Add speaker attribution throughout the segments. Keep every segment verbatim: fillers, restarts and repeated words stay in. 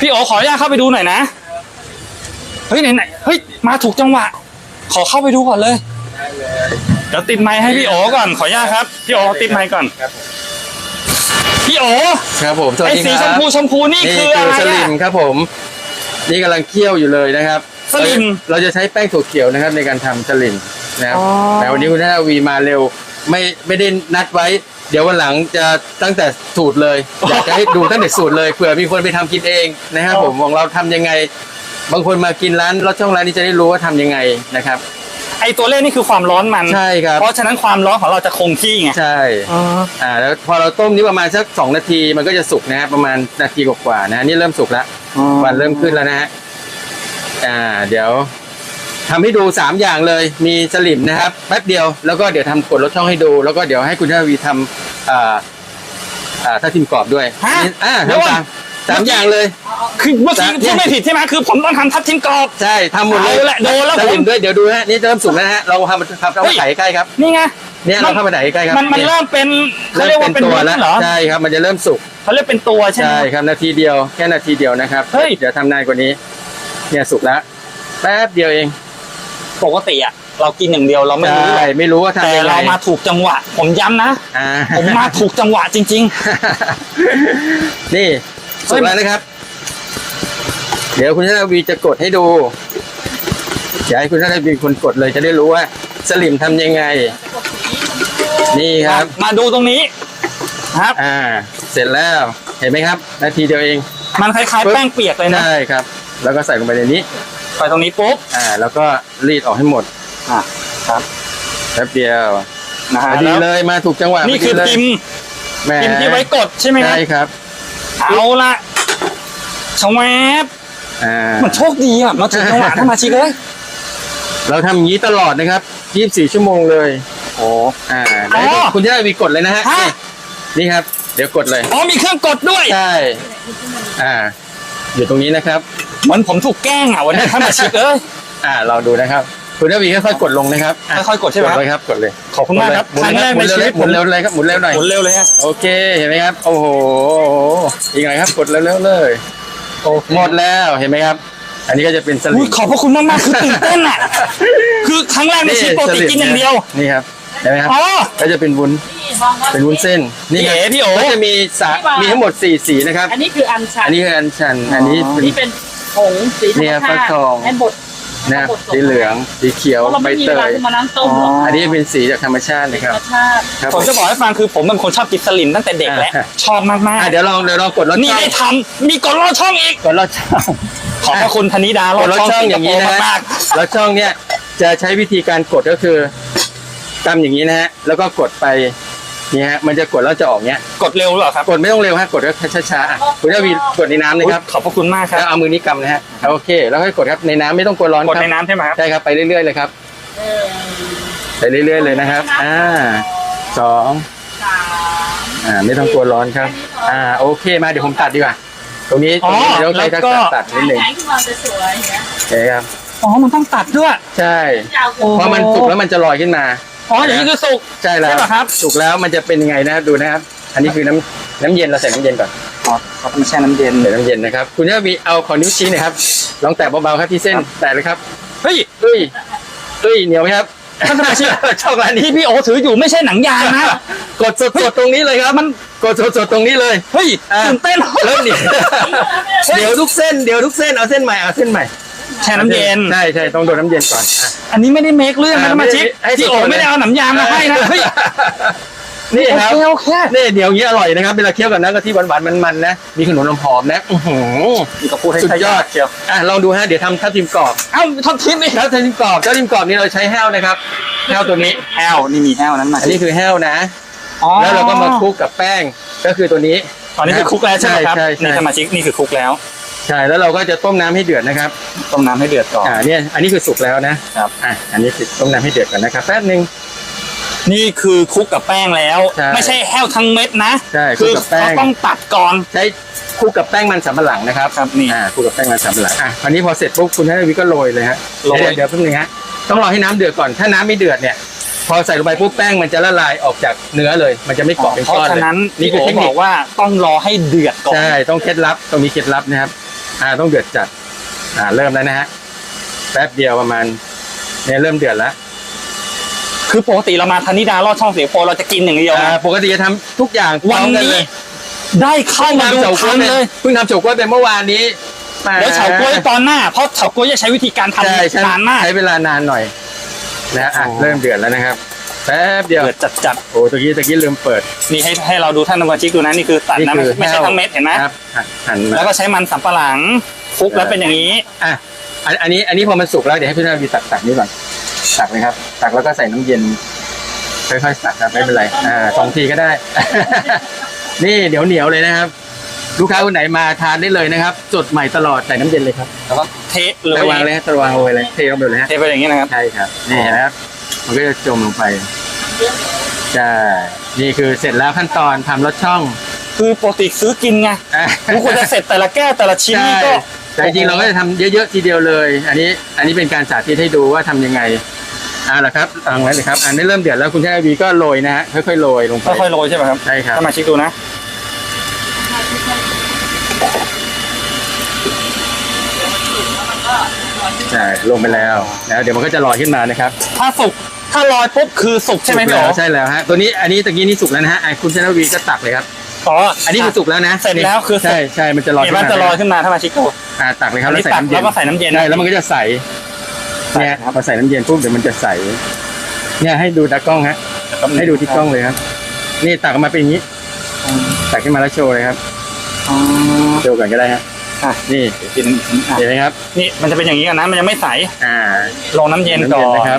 Speaker 1: พี่โอขออนุญาตเข้าไปดูหน่อยนะเฮ้ยไหนไหนเฮ้ยมาถูกจังหวะขอเข้าไปดูก่อนเลยเดี๋ยวติดไมค์ให้พี่โอก่อนขออนุญาตครับพี่โอติดไมค์ก่อนพี่โอ
Speaker 2: ครับผมสวัสดีครับ
Speaker 1: ไอ้สีชมพูชมพูนี่คืออะไร
Speaker 2: สลิมครับผมนี่กำลังเคี่ยวอยู่เลยนะครับ
Speaker 1: สลิม
Speaker 2: เราจะใช้แป้งถั่วเขียวนะครับในการทำสลิมนะครับแต่วันนี้คุณนาวีมาเร็วไม่ไม่ได้นัดไว้เดี๋ยววันหลังจะตั้งแต่สูตรเลยอยากจะให้ดูตั้งแต่สูตรเลยเผื่อมีคนไปทำกินเองนะครับผมของเราทำยังไงบางคนมากินร้านรสช่องร้านนี้จะได้รู้ว่าทำยังไงนะครับ
Speaker 1: ไอตัวเลขนี่คือความร้อนมัน
Speaker 2: ใช่ครับ
Speaker 1: เพราะฉะนั้นความร้อนของเราจะคงที่ไง
Speaker 2: ใช่อ่าแล้วพอเราต้มนี้ประมาณสักสองนาทีมันก็จะสุกนะครับประมาณนาทีกว่าๆนะนี่เริ่มสุกแล้ววันเริ่มขึ้นแล้วนะฮะอ่าเดี๋ยวทำให้ดูสามอย่างเลยมีสลิมนะครับแป๊บเดียวแล้วก็เดี๋ยวทำกดรสช่องให้ดูแล้วก็เดี๋ยวให้คุณนาวีทำอ่าอ่าถ้าทิมกรอบด้วยอ่าทำตามสามอย่างเลย
Speaker 1: คือเมื่อกี้พูดไม่ผิดใช่ไหมคือผมต้องทำทับทิมกรอบ
Speaker 2: ใช่ทำหมดเลย
Speaker 1: แหละโดนแล้ว
Speaker 2: สลิมด้วยเดี๋ยวดูฮะนี่เริ่มสุกแล้วฮะเราทำทำเข้ามาใส่ใกล้ครับ
Speaker 1: นี่ไง
Speaker 2: เนี่ยเราเข้ามาใส่ใกล้ครับ
Speaker 1: มันมันเริ่มเป็นเขาเรียกว่าเป็น
Speaker 2: ตัวแล้วใช่ครับมันจะเริ่มสุก
Speaker 1: เขาเรียกเป็นตัวใช่ไหม
Speaker 2: ใช่ครับนาทีเดียวแค่นาทีเดียวนะครับเฮ้ยเดี๋ยวทำนานกว่านี้เนี่ยสุกแล้วแป๊บเดียวเอง
Speaker 1: ปกติอะเรากินอย่างเดียวเราไม่รู้
Speaker 2: ไม่รู้ว่าทำยังไง
Speaker 1: แต่เรามาถูกจังหวะผมย้ำนะผมมาถูกจังหวะจริง
Speaker 2: ๆนี่สุกแล้วนะครับเดี๋ยวคุณชนาวีจะกดให้ดูอยากให้คุณชนาวีคนกดเลยจะได้รู้ว่าสลิมทำยังไงนี่ครับ
Speaker 1: มาดูตรงนี้ครับ
Speaker 2: อ่าเสร็จแล้วเห็นไหมครับนาทีเดียวเอง
Speaker 1: มันคล้ายๆแป้งเปียกเลยนะ
Speaker 2: ใช่ครับแล้วก็ใส่ลงไปในนี้
Speaker 1: ใส่ตรงนี้ปุ๊บ
Speaker 2: อ่าแล้วก็รีดออกให้หมด
Speaker 1: อ่าครับ
Speaker 2: แป๊บเดียว
Speaker 1: นะฮะ
Speaker 2: ดีเลยมาถูกจังหวะ
Speaker 1: นี่คือพิมพ์พิมพ์ที่ไว้กดใช่ไหมครับ
Speaker 2: ใช่ครับ
Speaker 1: เอาละชวบมันโชคดีอ่ะมาถึงจังหวะถ้ามาชิกเลย
Speaker 2: เราทำอย่างนี้ตลอดนะครับยี่สิบสี่ชั่วโมงเลย
Speaker 1: โอ้
Speaker 2: อ่าคุณจะได้มีกดเลยนะฮะนี่ครับเดี๋ยวกดเลย
Speaker 1: อ๋อมีเครื่องกดด้วย
Speaker 2: ใช่อ่าอยู่ตรงนี้นะครับ
Speaker 1: เหมือนผมถูกแกล้งอ่ะวันนี้ถ้ามาชิกเอ้ย
Speaker 2: อ่าเราดูนะครับคุณได้มีค่อยๆกดลงนะครับ
Speaker 1: ค่อยๆกดใช่ไหม
Speaker 2: ครับกดเลย
Speaker 1: ขอบคุณมากครับ
Speaker 2: ครั้งแรกในชีวิตหมุนเร็วเลยครับหมุนเร็วหน่อย
Speaker 1: หมุนเร็วเลยฮะ
Speaker 2: โอเคเห็นไหมครับโอ้โหอีกหน่อยครับกดเร็วๆเลยหมดแล้วเห็นไหมครับอันนี้ก็จะเป็นสลิม
Speaker 1: ขอบพระคุณมากๆคือตื่นเต้นอ่ะคือครั้งแรกในชีวิตปกติกินอย่างเดียว
Speaker 2: นี่ครับเห็นไหมครับก็จะเป็นวุ้นเป็นวุ้นเส้นนี่
Speaker 1: พี่โอ
Speaker 2: ก็จะมีสามีทั้งหมดสี่สีนะครับ
Speaker 3: อันนี้คืออัญชัน
Speaker 2: อันนี้คืออัญชันอันนี้
Speaker 3: เป็นผงสีธรรมชาติให้บด
Speaker 2: นะสีเหลืองสีเขียวใบเตยอันนี้เป็นสีจากธรรมชาตินะครับ
Speaker 1: ผมจะบอกให้ฟังคือผมเป็นคนชอบกินสลิมตั้งแต่เด็กแล้วชอบมาก
Speaker 2: ๆเดี๋ยวลองเดี๋ยวลองกดลอดช่อง
Speaker 1: นี่ได้ทำมีกดลอดช่องอีก
Speaker 2: กดลอดช่อง
Speaker 1: ขอบพระคุณธนิดาลอดช่อง
Speaker 2: อย่างนี้นะฮะลอดช่องเนี่ยจะใช้วิธีการกดก็คือกำอย่างนี้นะฮะแล้วก็กดไปนี่ฮะมันจะกดแล้วจะออกเนี้ย
Speaker 1: กดเร็วหรอครับ
Speaker 2: กดไม่ต้องเร็วฮะกดก็ช้าๆคุณจะวีกดในน้ำเลยครับ
Speaker 1: ขอบพระคุณมากครับ
Speaker 2: แล้วเอามือนี้กำนะฮะโอเคแล้วค่อยกดครับในน้ำไม่ต้องกดร้อน
Speaker 1: กดในน้ำใช่ไหมครับ
Speaker 2: ใช่ครับไปเรื่อยๆเลยครับไปเรื่อยๆเลยนะครับอ่าสองอ่าไม่ต้องกลัวร้อนครับอ่าโอเคมาเดี๋ยวผมตัดดีกว่าตรงนี้ตรงนี้เดี๋ยวใครจะตัดนิดนึงโอเคครับ
Speaker 1: อ๋อมันต้องตัดด้วย
Speaker 2: ใช่พอมันสุกแล้วมันจะลอยขึ้นมา
Speaker 1: อ๋ออย่างนี้คือสุก
Speaker 2: ใช่แล้วครับสุกแล้วมันจะเป็นยังไงนะครับดูนะครับอันนี้คือน้ำน้ำเย็นเราใส่น้ำเย็นก่อน
Speaker 1: อ๋อเขาต้องแช่น้ำเย็น
Speaker 2: ใส่น้ำเย็นนะครับคุณจะมีเอาขอนิ้วชี้หน่อยครับลองแตะเบาๆครับที่เส้นแตะเลยครับ
Speaker 1: เฮ้ย
Speaker 2: เฮ้ยเฮ้ยเหนียวไหมครับ
Speaker 1: ท่านสมาชิก
Speaker 2: ช่องร้านนี้
Speaker 1: ที่พี่โอถืออยู่ไม่ใช่หนังยางนะ
Speaker 2: กดสดๆตรงนี้เลยครับมันกดสดๆตรงนี้เลย
Speaker 1: เฮ้ยตื่นเต้น
Speaker 2: เริ่มดิเดี๋ยวทุกเส้นเดี๋ยวทุกเส้นเอาเส้นใหม่เอาเส้นใหม่
Speaker 1: แช่น้ำเย็น
Speaker 2: ใช่ใช่ต้องโดนน้ำเย็นก่อน
Speaker 1: อันนี้ไม่ได้เมคเรื่องนะมาชิกที่โอไม่ได้เอาหนังยางมาให้นะเฮ้ย
Speaker 2: นี่ครับนี่เดี๋ยวนี้อร่อยนะครับเวลาเคี้ยวกับน้ำกะทิหวานๆมันๆนะมีขนมน้ำหอมนะอื้อหือ
Speaker 1: นี่ก็พูดให้
Speaker 2: สุดยอดเชียวอ่ะลองดูฮะเดี๋ยวทำทับทิมกรอบ
Speaker 1: เอ้าทับทิมนี่
Speaker 2: ทับทิมกรอบทับทิมกรอบนี่เราใช้แห้วนะครับแห้วตัวนี้
Speaker 1: แห้วนี่มีแห้วนั้นมา
Speaker 2: อันนี้คือแห้วนะแล้วเราก็มาคลุกกับแป้งก็คือตัวนี้
Speaker 1: ตอนนี้คือคลุกแล้วใช่ไหมครับนี่สมาชิกนี่คือคลุกแล้ว
Speaker 2: ใช่แล้วเราก็จะต้มน้ำให้เดือดนะครับ
Speaker 1: ต้มน้ำให้เดือดก่อน
Speaker 2: อ่าเนี่ยอันนี้คือสุกแล้วนะครับอ่าอันนี้คือต้มน้ำให้เดือดก่อนนะครับแป๊บนึง
Speaker 1: นี่คือคลุกกับแป้งแล้วไม่ใช่แห้วทั้งเม็ดนะ
Speaker 2: ใช่คลุกกับแป้ง
Speaker 1: ต้องตัดก่อน
Speaker 2: ใช้คลุกกับแป้งมันสำปะหลังนะครับ
Speaker 1: ครับนี่
Speaker 2: อ่าคลุกกับแป้งมันสำปะหลังอ่ะคราวนี้พอเสร็จปุ๊บคุณให้วิก็โรยเลยฮะโรยเดี๋ยวแป๊บนึงฮะต้องรอให้น้ำเดือดก่อนถ้าน้ำไม่เดือดเนี่ยพอใส่ลงไปปุ๊บแป้งมันจะละลายออกจากเนื้อเลยมันจะไม่เกาะเป็นก้อนเลย
Speaker 1: เพราะฉะนั้นนี่คือเทคนิคว่าต้องรอให้เดือดก่อน
Speaker 2: ใช่ต้องเคล็ดลับต้องมีเคล็ดลับนะครับอ่าต้องเดือดจัดอ่าเริ่มแล้วนะฮะแป๊บเดียวประมาณเนี่ยเริ่มเดือดแล้ว
Speaker 1: คือปกติเรามาธนิดาลอดช่องสิงคโปร์เราจะกินอย่างเดียว
Speaker 2: อ่า
Speaker 1: นะ
Speaker 2: ปกติจะทำทุกอย่าง
Speaker 1: วัน
Speaker 2: พร้อมกั
Speaker 1: นี้
Speaker 2: เลย
Speaker 1: ได้เข้ามาดู
Speaker 2: เฉาก๊วย
Speaker 1: ทันเลย
Speaker 2: เพิ่งทำเฉาก๊วยไปเมื่อวานนี้แหม
Speaker 1: เดี๋ยวเฉาก๊วยตอนหน้าเพราะเฉาก๊วยจะใช้วิธีการท
Speaker 2: ใช่ใช่
Speaker 1: ำนานมาก
Speaker 2: ใช้เวลานานหน่อยนะอ่ะ
Speaker 1: โอ้
Speaker 2: เริ่มเดือดแล้วนะครับแป๊บเดียว
Speaker 1: เดือดจัดจัด
Speaker 2: โอ้ตะกี้ตะกี้ลืมเปิด
Speaker 1: ๆนี่ให้ให้เราดูท่านสมาชิกดูนะนี่คือตัดนะไม่ไม่ใช่ทั้งเม็ดเห็นไหม
Speaker 2: ครับหั่นหั่นมา
Speaker 1: แล้วก็ใช้มันสำปะหลังคลุกแล้วเป็นอย่างนี้
Speaker 2: อ่ะอันอันนี้อันนี้พอมันสุกแล้วเดี๋ยวให้พี่นาวีตักตักนี้ก่อนตักเลยครับตักแล้วก็ใส่น้ำเย็นค่อยๆตักครับไม่เป็นไรอ่าสองทีก็ได้ นี่เหนียวเหนียวๆเลยนะครับ ลูกค้าคนไหนมาทานได้เลยนะครับสดใหม่ตลอดใส่น้ำเย็นเลยครับ
Speaker 1: แล้วก็เทเล
Speaker 2: ระวางเลยฮะระวางโรยเลยเทลงไปเลยฮะ
Speaker 1: เทไปอย่างนี้นะครับ
Speaker 2: ใช่ครับนี่นะครับมันก็จะจมลงไปใช่นี่คือเสร็จแล้วขั้นตอนทำรสช่อง
Speaker 1: คือปกติซื้อกินไง
Speaker 2: อ่ะ
Speaker 1: ทุกคนจะเสร็จแต่ละแก้วแต่ละชิ้น
Speaker 2: ใช่
Speaker 1: นี่ก็
Speaker 2: แต่จริงๆเราก็จะทำเยอะๆทีเดียวเลย อันนี้อันนี้เป็นการสาธิตให้ดูว่าทำยังไงอ่าละครับเอาไว้เลยครับอันนี้เริ่มเดือดแล้วคุณชายวีก็โรยนะฮะค่อยๆโรยลงไป
Speaker 1: ค่อยๆโรยใช่ไหมครับ
Speaker 2: ใช่ครับ
Speaker 1: สมาชิกดูนะ
Speaker 2: ใช่ลงไปแล้วนะเดี๋ยวมันก็จะลอยขึ้นมานะครับ
Speaker 1: ถ้าสุกถ้าลอยปุ๊บคือสุกใช่ไหม
Speaker 2: สุก
Speaker 1: พี่
Speaker 2: แล้
Speaker 1: โอ๋
Speaker 2: วใช่แล้วฮะตัวนี้อันนี้ตะกี้นี่สุกแล้วนะฮะอ่ะคุณชายวีก็ตักเลยครับ
Speaker 1: อ๋อ
Speaker 2: อั
Speaker 1: อั
Speaker 2: นนี้คือสุกแล้วนะ
Speaker 1: เสร็จแล้วคือสุก
Speaker 2: ใช่ใช่มันจะลอย
Speaker 1: เห็น
Speaker 2: ขึ้น
Speaker 1: ว่า
Speaker 2: มา
Speaker 1: จะลอยขึ้นมาถ้ามาชิกดู
Speaker 2: อ่าตักเลยครับ
Speaker 1: อัน
Speaker 2: แล้ว
Speaker 1: นี้
Speaker 2: ใส่
Speaker 1: ตัก
Speaker 2: น้ำเย็น
Speaker 1: แล้วก็ใส่น้ำเย็น
Speaker 2: ใช่แล้วมันก็จะใส
Speaker 1: ใส่
Speaker 2: เนี่ย
Speaker 1: ครับ
Speaker 2: พอใส่น้ำเย็นปุ๊บเดี๋ยวมันจะใสเนี่ยให้ดูตากล้องฮะให้ดูที่กล้องเลยครับ นี่ตักออกมาเป็นอย่างนี้ตักขึ้นมาแล้วโชว์เลยครับ
Speaker 1: อ๋อ
Speaker 2: โชว์ก่อนก็ได้ฮะ
Speaker 1: อ่ะ
Speaker 2: นี่
Speaker 1: กินอ่ะ
Speaker 2: เห็นไหมครับ
Speaker 1: นี่มันจะเป็นอย่างนี้กันนะมันยังไม่ใส
Speaker 2: อ่า
Speaker 1: ลงน้ำเย็น
Speaker 2: น้ำ
Speaker 1: ก่
Speaker 2: เย็
Speaker 1: อน น
Speaker 2: นะครับ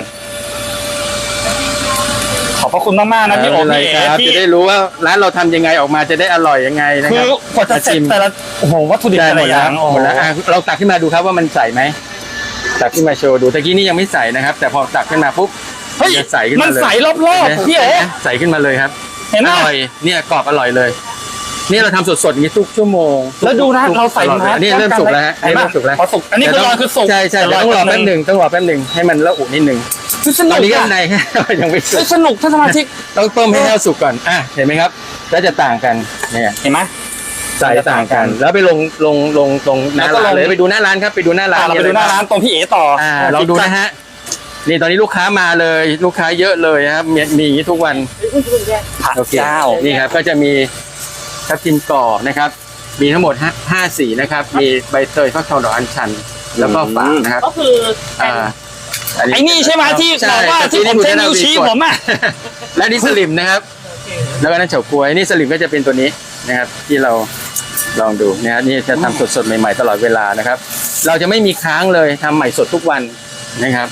Speaker 1: ขอบพระคุณมากๆนะพี่โอ๋
Speaker 2: ไม่
Speaker 1: พี่
Speaker 2: เป็น
Speaker 1: เอ๋
Speaker 2: ไรครับ
Speaker 1: ที่
Speaker 2: จะได้รู้ว่าร้านเราทำยังไงออกมาจะได้อร่อยยังไงนะ
Speaker 1: คื
Speaker 2: ครั
Speaker 1: อบ กว่าจะเสร็จ
Speaker 2: ชิม
Speaker 1: แต่ละโอ้โหวัตถุดิบ
Speaker 2: ได้
Speaker 1: แต่
Speaker 2: หม
Speaker 1: ละ
Speaker 2: ด
Speaker 1: อ
Speaker 2: แล้
Speaker 1: ย่าว งโอ้
Speaker 2: ห
Speaker 1: โห
Speaker 2: มดแล้วอ่ะเราตักขึ้นมาดูครับว่ามันใสไหมตักขึ้นมาโชว์ดูตะกี้นี่ยังไม่ใสนะครับ แต่พอตักขึ้นมาปุ๊บ
Speaker 1: เฮ้ย
Speaker 2: จะใสขึ้น
Speaker 1: มั
Speaker 2: มานเลย
Speaker 1: ใสรอบๆพี่โอ๋
Speaker 2: ใสขึ้นมาเลยครับ
Speaker 1: เห็นไหม
Speaker 2: อร่อยเนี่ยกรอบอร่อยเลย นี่เราทำสดๆอย่างนี้ทุกชั่วโมง
Speaker 1: แล้วดูนะ
Speaker 2: ทุก
Speaker 1: เราใส่
Speaker 2: ตลอดเลย
Speaker 1: น้ำ
Speaker 2: อันนี่เริ่มสุกแล้วฮะ
Speaker 1: เห็นไหม
Speaker 2: เริ่มสุกแล้ว
Speaker 1: พอสุกอันนี้คือลอยคือสุก
Speaker 2: ใช่ใช่
Speaker 1: แต่
Speaker 2: เดี๋ยวต้องรอแป๊บห
Speaker 1: นึ่ง
Speaker 2: นึ่งต้องรอแป๊บหนึ่งให้มันละอุนิดหนึ่ง
Speaker 1: คือส
Speaker 2: ต
Speaker 1: นุ
Speaker 2: อน
Speaker 1: ก
Speaker 2: นี้ก็
Speaker 1: อะ
Speaker 2: ใน ยังไม่สุ
Speaker 1: เฮ้
Speaker 2: ก
Speaker 1: ยสนุกท่านสมาชิก
Speaker 2: ต้องต้มให้แห้วสุกก่อนอ่ะเห็นไหมครับแล้วจะต่างกันเนี่ย
Speaker 1: เห็นไหม
Speaker 2: ใส่ต่างกัน แล้วไปลงลงลงตรงหน้า
Speaker 1: แล้วก็
Speaker 2: ร้าน
Speaker 1: ลง
Speaker 2: เลยไปดูหน้าร้านครับไปดูหน้าร้าน
Speaker 1: อ่ะเราไปดูหน้าร้านตรงพี่เอ๋ต่อ
Speaker 2: อ่า
Speaker 1: อ่ะ
Speaker 2: ลองดูนะฮะนี่ตอนนี้ลูกค้ามาเลย ลูกค้าเยอะเลยครับมีมีอย่างนี้ทุกวัน
Speaker 1: ผัก
Speaker 2: โอเค
Speaker 1: เจ้า
Speaker 2: นี่ครับก็จะมีทับทิมก่อนะครับ มีทั้งหมดห้าห้าสีนะครับ มีใบเตยฟักทองดอกอัญชัน แล้วก็ฝางนะครับ
Speaker 3: ก็คือเป็น
Speaker 2: อ่า
Speaker 1: ไอ้นี่ใช่ไหมที่บอกว่าที่ผมใช้นิ้วชี้ผมอ่ะ
Speaker 2: และนี่สลิมนะครับ แล้วก็นั่นเฉาก๊วยนี่สลิมก็จะเป็นตัวนี้นะครับ ที่เราลองดูนะฮะนี่จะทำสดๆใหม่ๆตลอดเวลานะครับ เราจะไม่มีค้างเลยทำใหม่สดทุกวันนะครับ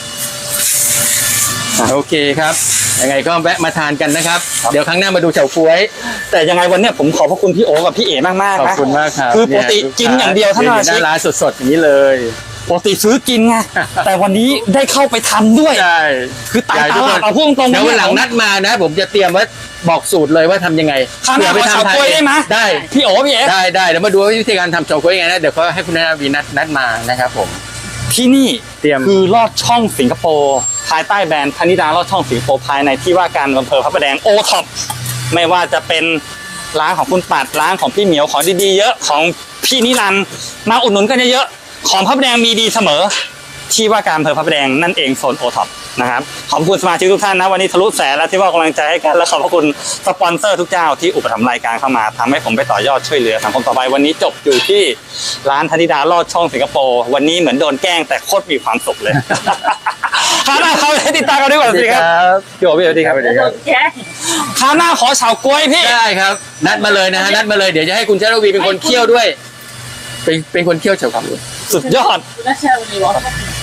Speaker 2: โอเคครับยังไงก็แวะมาทานกันนะครับ เดี๋ยวครั้งหน้ามาดูเฉาก๊วย
Speaker 1: แต่ยังไงวันเนี้ยผมขอบพระคุณพี่โอกับพี่เอ๋มากๆ
Speaker 2: ขอบ
Speaker 1: นะ
Speaker 2: คุณมากครับ
Speaker 1: คือปกติกินอย่างเดียวเท่านั้น
Speaker 2: หน้าร้านสดๆอย่างนี้เลย
Speaker 1: ปกติซื้อกินไงแต่วันนี้ได้เข้าไปทำด้วย
Speaker 2: ใช่
Speaker 1: คือตาย
Speaker 2: ใหญ่
Speaker 1: ต
Speaker 2: ทุกค
Speaker 1: ลาน ดเอาพูดตรงๆ
Speaker 2: เดี๋ยววันหลังนัดมานะ ผมจะเตรียมว่าบอกสูตรเลยว่าทำยังไง
Speaker 1: คราวหน้าขอเฉาก๊วยได้ไหม
Speaker 2: ได้
Speaker 1: พี่โอพี่เอ๋
Speaker 2: ได้ได้เดี๋ยวมาดูวิธีการทำเฉาก๊วยยังไงนะเดี๋ยวก็ให้คุณนาวีนัดนัดมานะครับผม
Speaker 1: ที่นี่
Speaker 2: เตรียม
Speaker 1: คือลอดช่องสิงคโปร์ภายใต้แบรนด์ธนิดาลอดช่องสิงคโปร์ภายในที่ว่าการอำเภอพระประแดงโอท็อปไม่ว่าจะเป็นร้านของคุณปัดร้านของพี่เหมียวของดีๆเยอะของพี่นิรันดร์มาอุดหนุนกันเยอะๆของพระประแดงมีดีเสมอ ที่ว่าการอำเภอพระประแดงนั่นเองโซนโอท็อปนะครับขอบคุณสมาชิกทุกท่านนะวันนี้ทะลุแสนแล้วที่ว่ากำลังใจให้กันและขอบพระคุณสปอนเซอร์ทุกเจ้าที่อุปถัมภ์รายการเข้ามาทำให้ผมไปต่อยอดช่วยเหลือสังคมต่อไปวันนี้จบอยู่ที่ร้านธนิดาลอดช่องสิงคโปร์วันนี้เหมือนโดนแกล้งแต่โคตรมีความสุขเลย คราวหน้าเขาให้ติดตามกันด้วยก่อนสิครับพี่โอ๋พี่โอ๋ดีครับ
Speaker 2: สวัสดีครับ
Speaker 3: แค่
Speaker 1: คราวหน้าขอเฉาก๊วยพี่
Speaker 2: ได้ครับ นัดมาเลยนะฮะนัดมาเลยเดี๋ยวจะให้คุณชาลวีเป็นคนเคี่ยวด้วย เป็นเป็นคนเคี่ยวเฉาก๊วย
Speaker 1: สุดยอด
Speaker 3: แล้วเชื่อวันนี้ว่า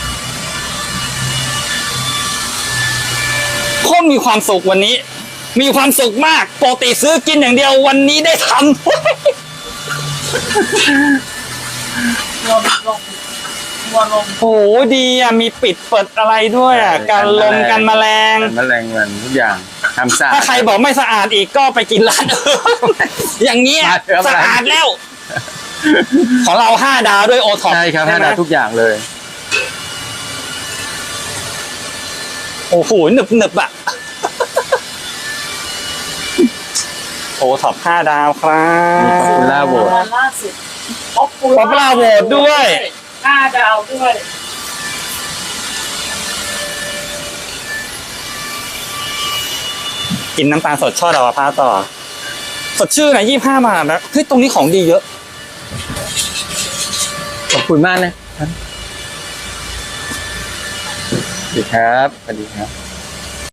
Speaker 1: โคตรมีความสุขวันนี้ มีความสุขมากปกติซื้อกินอย่างเดียววันนี้ได้ทำ
Speaker 3: ลมลมวัวลม
Speaker 1: โอ้โหดีอ่ะมีปิดเปิดอะไรด้วยอ่ะการลมกันแมลง
Speaker 2: กันแมลงวันทุกอย่างทำสะอาด
Speaker 1: ถ้าใครบอกไม่สะอาดอีกก็ไปกินร้านอื่น อย่างเงี้ย
Speaker 2: มาเถอะ
Speaker 1: สะอาดแล้ว ของเราห้าดาวด้วยโอท็อป
Speaker 2: ใช่ครับห้าดาวทุกอย่างเลย
Speaker 1: โอ้โหหนึบหนึบอ่ะ โอท็อปห้าดาวครั
Speaker 2: นี่ขอบคุณ
Speaker 1: บ
Speaker 2: ล่าโหวต
Speaker 3: ล่าสุดป๊อปปู
Speaker 1: ป๊อปล่าโหวตด้วย
Speaker 3: ห้าดาวด้วย
Speaker 1: กินน้ำตาลสดช่อดาวมะพร้าวต่อ สดชื่นนะยี่ห้าบาทนะเฮ้ยตรงนี้ของดีเยอะ
Speaker 2: ขอบคุณมากนะครับสวัสดีครับสวัสดีครับ